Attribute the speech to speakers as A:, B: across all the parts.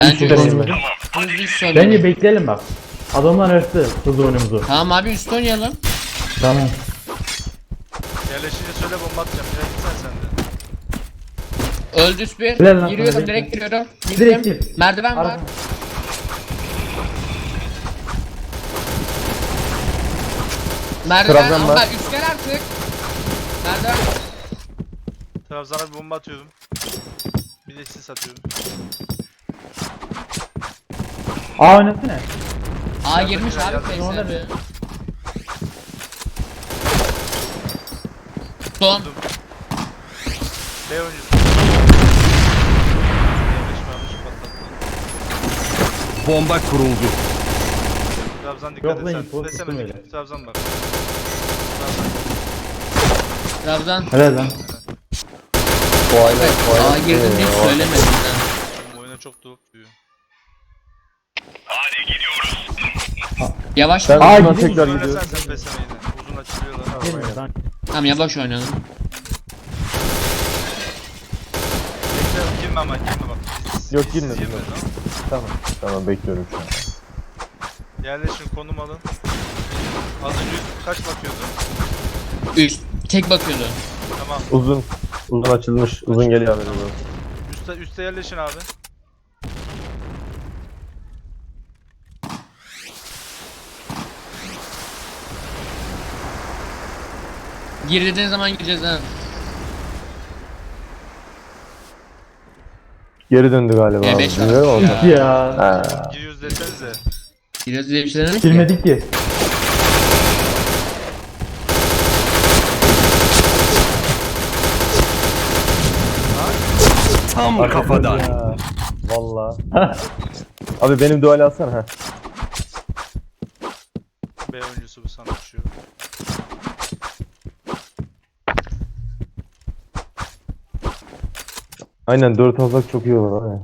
A: Bence
B: Üstten
A: hızlı
B: yemedim.
A: üst
B: Bence
A: oynayalım.
B: bekleyelim bak. Adamlar açtı hızlı oyunumuzu.
A: Tamam abi üst oynayalım.
B: Tamam.
C: Yerleşince söyle bomba atacağım. Biraz gitsen sen de.
A: Öldü üst bir.
B: Helal lan
A: Giriyorum
B: sana,
A: direkt
B: bekle.
A: giriyorum.
B: Direkt
A: Girdim.
B: gir.
A: Merdiven var.
B: Arka.
A: Merdiven
D: Trabzon
A: ama
D: var.
A: bak üst gel artık. Merdiven.
C: Trabzon'a bir bomba atıyorum. Bir de sis atıyorum.
B: Aa oynasana.
A: A girmiş
C: Yardım,
A: abi
C: yardım.
A: face
B: Orada
A: abi.
B: bir-
A: Son.
C: B oyuncusu. Yanlış varmış patlattı.
E: Bomba kuruldu.
C: Trabzon
B: Yok
C: dikkat
B: lan,
C: et
B: info
C: sen. Desene
B: tuttum öyle.
C: Trabzon bak.
A: Trabzon.
B: Helal lan.
D: O aynen. O aynen.
A: A girdim hiç
D: o-
A: söylemedim ben.
C: Bu oyuna çok doğup diyor.
A: Yavaş
D: Ben
A: mı?
D: uzuna
B: gidiyor.
D: tekrar
C: Uzun
D: gidiyorum.
C: oynasana sen PSM'yi de. Uzun açılıyorlar.
B: Gelmiyor lan.
A: Tamam yavaş oynayalım.
C: Bekle girme ama girme bak.
D: Yok,
C: Siz
D: girme,
C: girme,
D: girme.
C: tamam.
D: Tamam bekliyorum şu an.
C: Yerleşin konum alın. Az önce kaç bakıyordu?
A: Üst. Tek bakıyordu.
C: Tamam.
D: Uzun. Uzun açılmış. Uzun geliyor haberin olsun.
C: Üste yerleşin abi.
A: Gir dediğin zaman gireceğiz ha.
D: Geri döndü galiba.
A: E5
D: abi.
A: var.
D: Bilmiyorum ama.
A: Ya.
B: Ya.
D: Ha.
C: Giriyoruz desenize.
A: Giriyoruz diye bir şey demedik ki.
B: Girmedik ki.
E: Tam kafadan.
D: Ya. Valla. Abi benim duali alsana ha.
C: B oyuncusu bu sana düşüyor.
D: Aynen 4 alsak çok iyi olur abi.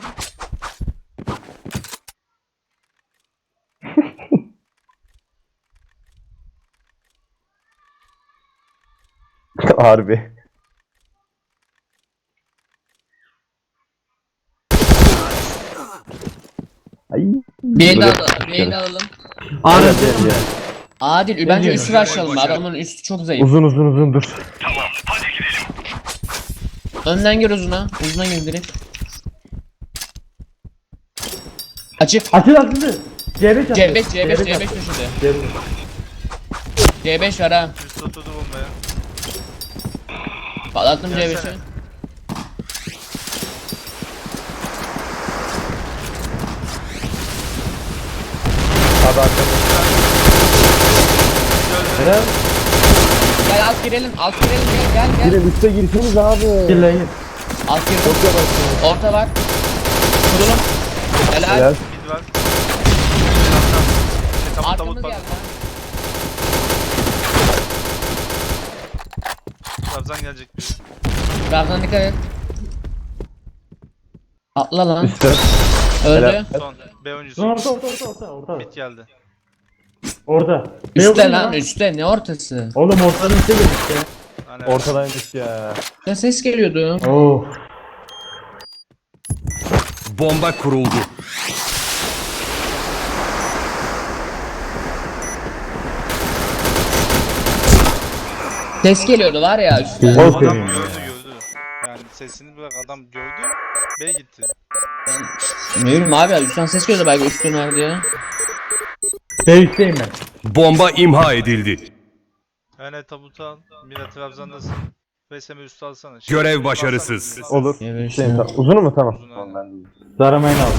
D: Harbi. Ay.
A: B'ni
D: Böyle-
A: alalım. B'ni alalım.
B: Arada.
D: Ya.
A: Adil bence
B: diyorum?
A: üstü açalım. Adamın üstü çok zayıf.
D: Uzun dur.
A: Önden gir uzuna. Uzuna gir direkt. Açık.
B: Açıl açıldı. C5 açıldı.
A: C5 C5 C5
B: açıldı.
A: köşede.
B: C5.
A: C5 var ha.
C: Üst oturdu bombaya.
A: Patlattım
C: Gelsene.
A: C5'i.
D: Abi arkamda.
B: Helal.
A: Gel alt girelim. Alt girelim gel gel gel.
D: Girin üste girseniz abi.
B: Gir lan gir.
A: Alt girdim.
D: Çok yavaşsınız.
A: Orta var. Kurulum. Helal.
D: Helal.
C: Mid var. Tamam
A: Arkamız
C: tabut
A: geldi
C: bak.
A: lan.
C: Trabzon gelecek biri.
A: Trabzon dikkat et. Atla lan.
D: Üstte.
A: Öldü.
D: Helal.
C: Son. B oyuncusu.
B: Son orta.
C: Mid geldi.
B: Orada.
A: Üstte lan üstte. Ne ortası?
B: Oğlum ortadan üstte geldik ya.
C: Hani
D: Ortadaymış ya.
A: Ya ses geliyordu.
B: Oh.
E: Bomba kuruldu.
A: Ses geliyordu var ya üstte.
B: Güzel.
C: adam
B: Aferin ya.
C: gördü. Yani sesini bırak adam gördü. B gitti.
A: Ne bileyim abi üstten ses geliyordu belki üstün vardı ya.
B: B üstteyim ben.
E: Bomba imha edildi.
C: Yani tabutu al. Mira Trabzon'dasın. PSM üstü alsana.
E: Görev
C: üstü
E: başarısız.
C: alsana.
D: Olur.
A: Evet,
D: Şey,
A: işte.
D: uzunu mu? Tamam.
C: Uzun
D: Tamam
C: aynen.
D: ben de.
B: Zaramayın al.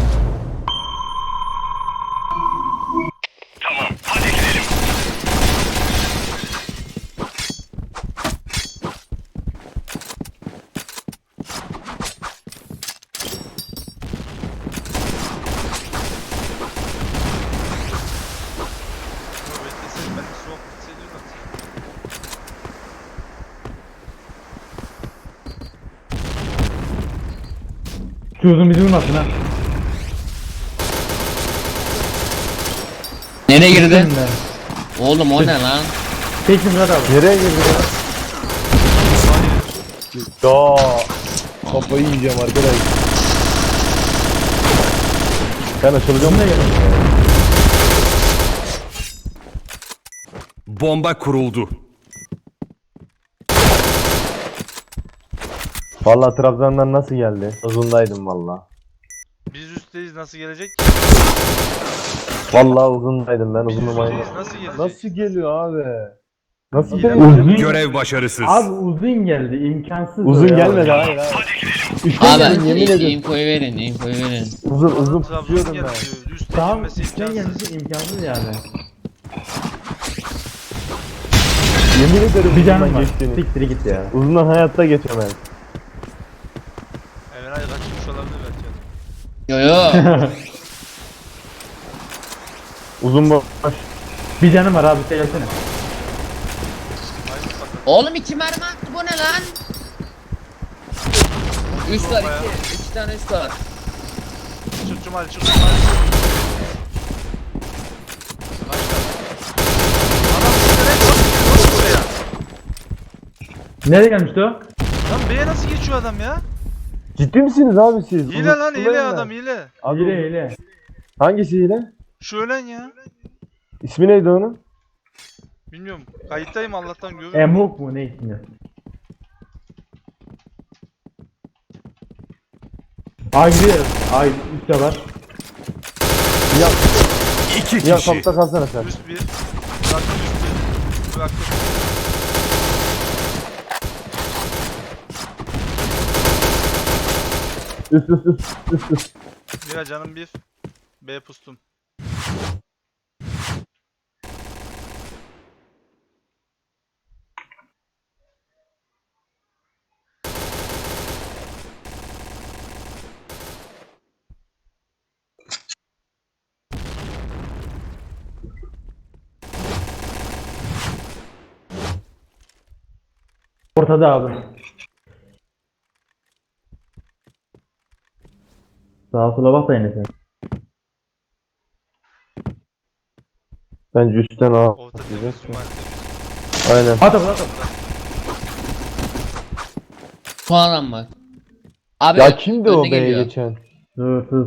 C: Beklesin ben de soğuk hissediyorum.
B: Şu uzun bizi vurmasın ha.
A: Nereye girdi?
B: Girdim ben.
A: Oğlum o ne lan?
B: Tekin Murat abi.
D: Nereye girdi ya? Ya. Kafayı yiyeceğim arkadaş. Ben açılacağım.
B: Bununla gelin.
E: Bomba kuruldu.
D: Vallahi Trabzon'dan nasıl geldi? Uzundaydım vallahi.
C: Biz üstteyiz, nasıl gelecek?
D: Vallahi uzundaydım ben
C: Biz
D: uzunluğum
C: üstteyiz, nasıl gelecek?
D: Nasıl geliyor abi? Nasıl
C: İyi de-
D: geliyor?
B: Uzun.
E: Görev başarısız.
B: Abi uzun geldi. İmkansız.
D: Uzun
B: o ya.
D: gelmedi hayır hayır. Üçten
A: Abi
D: geldim yemin ederim.
A: infoyu verin, infoyu verin.
D: Uzun
C: Trabzon
D: tutuyordum
C: geldi
D: ben.
C: diyor. Üste
B: Tamam.
C: girmesi
B: Üçten
C: imkansız.
B: gelmesi imkansız yani.
D: Yemin ederim
B: Bir canım
D: uzundan
B: var.
D: geçtiğini.
B: Siktir git ya.
D: Uzundan hayatta geçemem.
C: Erenay kaçmış olabilir belki.
A: Yo yo.
D: Uzun boş.
B: Bir canım var abi sen gelsene.
C: Hayır patladı.
A: Oğlum 2 mermi attı, bu ne lan? Üst var,
C: Bayağı.
A: 2 tane üst var.
C: Çık Cumali, çık Cumali. Adam üstüne nasıl buraya?
B: Nereye gelmişti o?
C: Lan B'ye nasıl geçiyor adam ya?
D: Ciddi misiniz abi siz?
C: Hile lan, hile
D: Uzundayım
C: adam,
D: ben.
C: hile.
D: Abi,
B: Hile hile.
D: hangisi hile?
C: Şu ölen ya.
D: İsmi neydi onun?
C: Bilmiyorum. Kayıttayım Allah'tan görüyorum.
B: Emuk mu ne ismi? Ay gidiyor. Ay üstte var.
D: Ya,
E: 2
D: ya
E: kişi.
D: kapta kalsana sen.
C: Üst bir. Bıraktım üst bir. Bıraktım.
D: Üst.
C: Mira canım bir. B pustum.
B: Ortada abi. Sağa sola bak da yine sen.
D: Bence üstten al.
C: Orta temiz Cumali temiz.
D: Aynen.
B: At at at.
A: Son adam var. Abi
D: Ya kimdi o
A: önüne
D: B'ye
A: geliyor.
D: geçen?
B: Dur.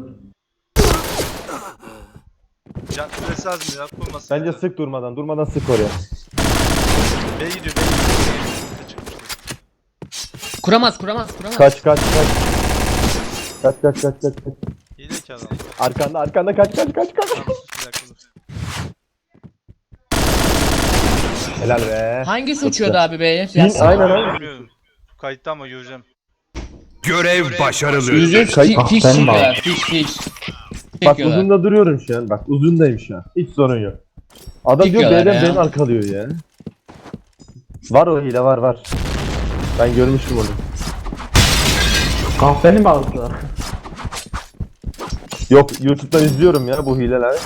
C: Can süresi az mı ya? Kurmasın.
D: Bence sık durmadan sık oraya.
C: B gidiyor, B gidiyor. B çıkmıştı.
A: Kuramaz.
D: Kaç. Kaç.
C: Hile ki adam.
D: Arkanda kaç.
C: Tamam, sus bir dakika dur.
D: Helal be.
A: Hangisi uçuyordu abi B'ye?
D: Aynen.
C: Bilmiyorum. Kayıtta ama göreceğim.
E: Görev başarılı.
A: Yüzü
B: Kayıt-
A: fiş
B: sen mi
A: çekiyorlar. Fiş.
D: Bak
A: Çekiyorlar.
D: uzunda duruyorum şu an. Bak uzundayım şu an. Hiç sorun yok. Adam diyor
A: Çekiyorlar
D: B'den
A: ya.
D: beni arkalıyor ya. Var o hile var. Ben görmüştüm onu.
B: Kahveni mi aldılar?
D: Yok YouTube'dan izliyorum ya bu hileler.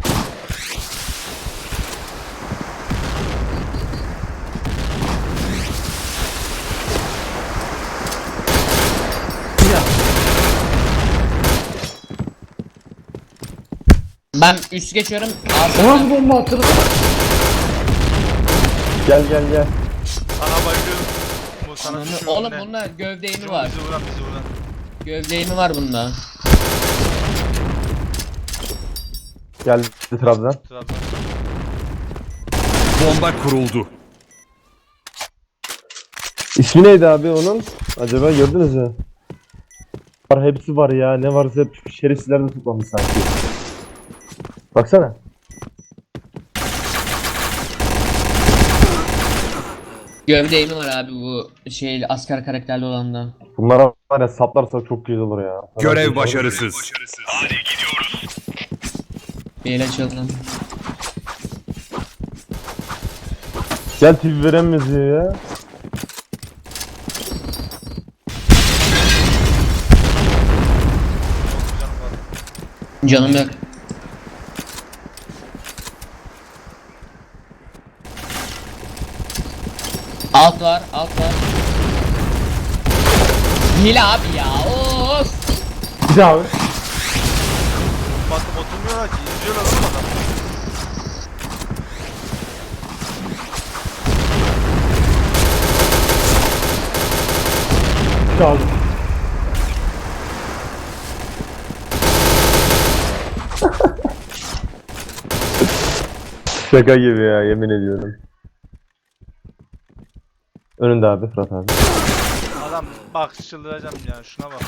A: Ben üst geçiyorum.
B: O nasıl bomba attı?
D: Gel.
C: Sana bayılıyorum. Bu sana düşüyor.
A: Oğlum
C: ne?
A: bunda gövde eğimi
C: Bizi
A: var.
C: vuran, bizi vuran.
A: Gövde eğimi var bunda.
D: Geldi Trabzon.
C: Trabzon.
E: Bomba kuruldu.
D: İsmi neydi abi onun? Acaba gördünüz mü? Var hepsi var ya. Ne varsa hep şerefsizler de toplamış sanki. Baksana.
A: Gövde eğimi var abi bu şey asker karakterli olanda.
D: Bunlara var ya saplarsak çok güzel olur ya.
E: Görev başarısız.
A: Bir el açalım.
D: Gel TV veremiyoruz ya.
A: Canım yok. Alt var. Hile abi ya. Of.
B: Bir daha abi.
C: Baktım oturmuyorlar ki. İzliyorlar oğlum adam.
B: Çaldım.
D: Şaka gibi ya, yemin ediyorum. Önünde abi Fırat abi.
C: Adam bak çıldıracağım ya, şuna bak ya.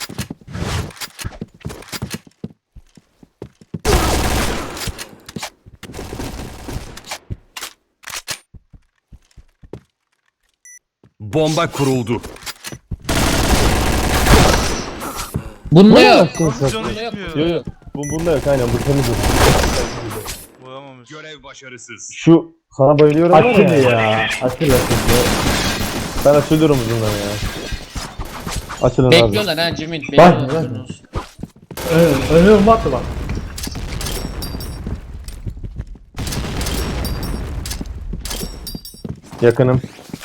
E: Bomba kuruldu.
A: Bunda yok.
C: Nasıl canı
A: Bunda yok.
C: gitmiyor?
A: Bunda yok.
D: Bunda yok, aynen bu temiz.
C: Vuramamış.
E: Görev başarısız.
D: Şu sana bayılıyorum var
B: Açıl
D: ya.
B: ya. Açıl.
D: Ben açılıyorum uzundan ya. Açılın abi.
A: Bekliyorlar ha Cemil.
B: Bak,
A: Bekliyorlar.
B: Önüne bomba attı bak.
D: Yakınım.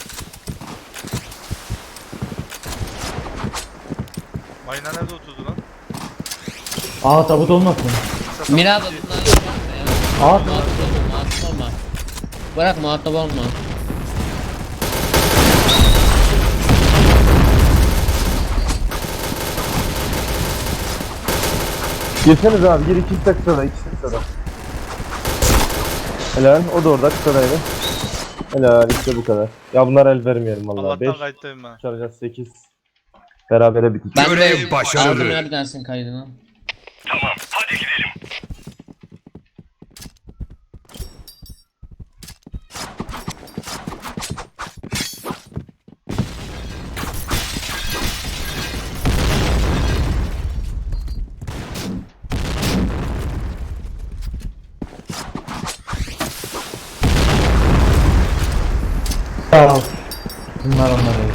C: Mayına nerede oturdu lan?
B: Aa tabut olmasın.
A: Mirada bunlar yapma ya.
B: Aa
A: Muhatap olma, muhatap olma. Bırak muhatap olma.
D: Girseniz abi, gir ikisi de kısada, ikisi de kısada. Helal, o da orada kısadaydı. Helal, işte bu kadar. Ya bunlar el vermeyelim vallahi. 5
C: Allah'tan kayıttayım ben.
D: çaracağız 8. Berabere bitik.
A: Ben
E: Görev
A: de
E: başarılı.
A: aldım ya bir tanesinin kaydını.
B: Sağ ol. Bunlar onlar değil.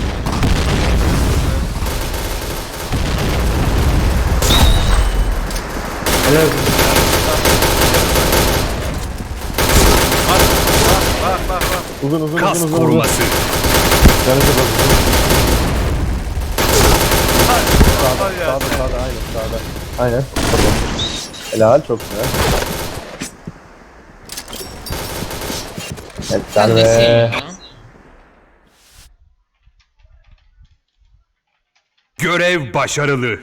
B: Helal olsun.
C: Bak.
D: Uzun
E: Kas
D: uzun.
E: koruması.
D: Canı çok az.
C: Var ya.
D: Sağda aynen sağda. Aynen. Helal, çok güzel. Evet,
A: Sen de
D: be.
A: ya.
E: Görev başarılı.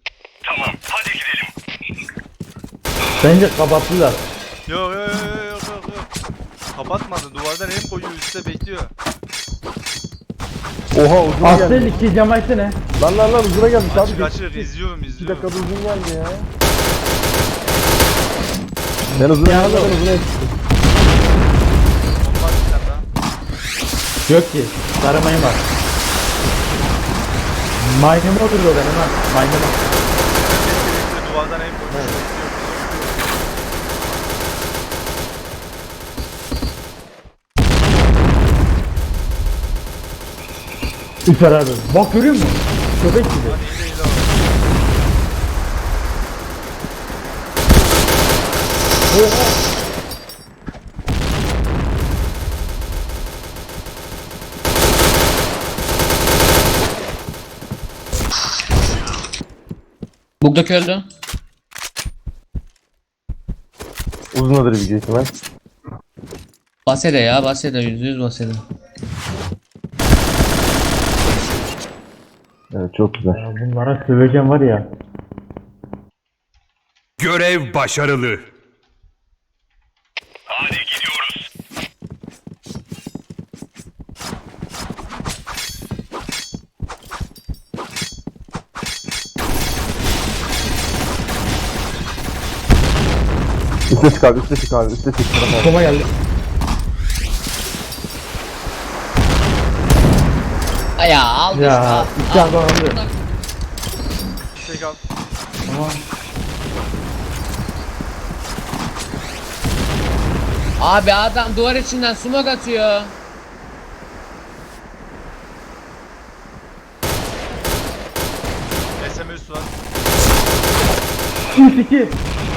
B: Bence kapattılar.
C: Yok. Kapatmadı, duvardan hem koyuyor üstte bekliyor.
D: Oha uzuna
B: Asıl
D: geldi.
B: 2 cam açsana.
D: Lan uzuna gelmiş abi.
C: Kaçır izliyorum.
D: 2 dakikada uzun geldi ya. Ben uzuna
B: Ya
D: geldim,
B: oğlum.
D: uzuna yetiştim.
C: Olmaz bir tane daha.
B: Yok ki. Taramayın bak. Mayneme oturdu orada hemen. Mayneme.
C: Bekle, duvardan hem koyuyor.
B: Üfer abi. Bak görüyor musun? Köpek gibi.
C: Hadi hile var.
A: Bugdaki öldü.
D: Uzunadır bir ihtimal.
A: Basede ya Basede %100 Basede.
D: Evet, çok güzel.
B: Ya bunlara söveceğim var ya.
E: Görev başarılı.
D: Üste çık abi, üste çık abi, üste çık.
B: Koma geldi.
A: Ay ya al işte,
B: Ya
A: al.
B: 2 adam aldı.
C: Tek al.
B: Tamam.
A: Abi adam duvar içinden smoke atıyor.
C: SMS var.
B: 3-2.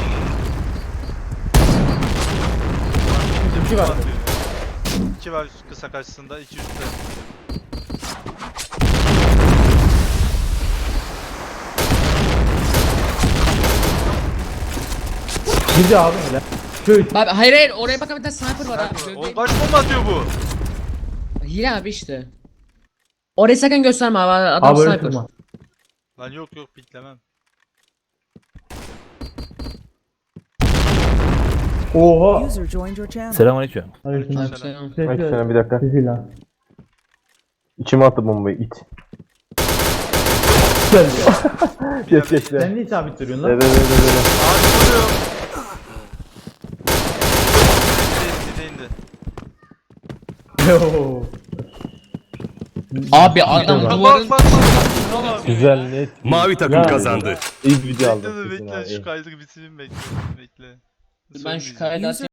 B: İki var.
C: 2 var kısa karşısında, 2 üstte.
B: Girdi abi hele. Şöyle.
A: Abi hayır oraya bak bir tane sniper var abi.
C: Oğlum kaç bomba atıyor bu?
A: Hile abi işte. Orayı sakın gösterme abi adam
B: Abi öyle
A: sniper.
B: durma.
C: Lan yok piklemem.
B: Oha.
F: User joined your channel.
G: Selamünaleyküm.
A: Aleykümselam.
D: Aleykümselam, bir dakika.
B: Sesi lan.
D: İçime attı bombayı it.
B: Güzel.
D: Geç geç.
B: Sen niye sabit duruyorsun
D: De
B: lan?
D: de de de de.
C: Ağaç vuruyor. İndi.
B: Yo.
A: Abi adam
B: Bak,
A: duvarın
C: Bak.
D: Güzel net.
E: Mavi takım
D: Ya.
E: kazandı.
D: İyi bir video
C: Bekle
D: aldım.
C: de
D: kesin
C: bekle
D: abi.
C: şu kaydı bitireyim bekle.
A: ben şu kaydı atayım.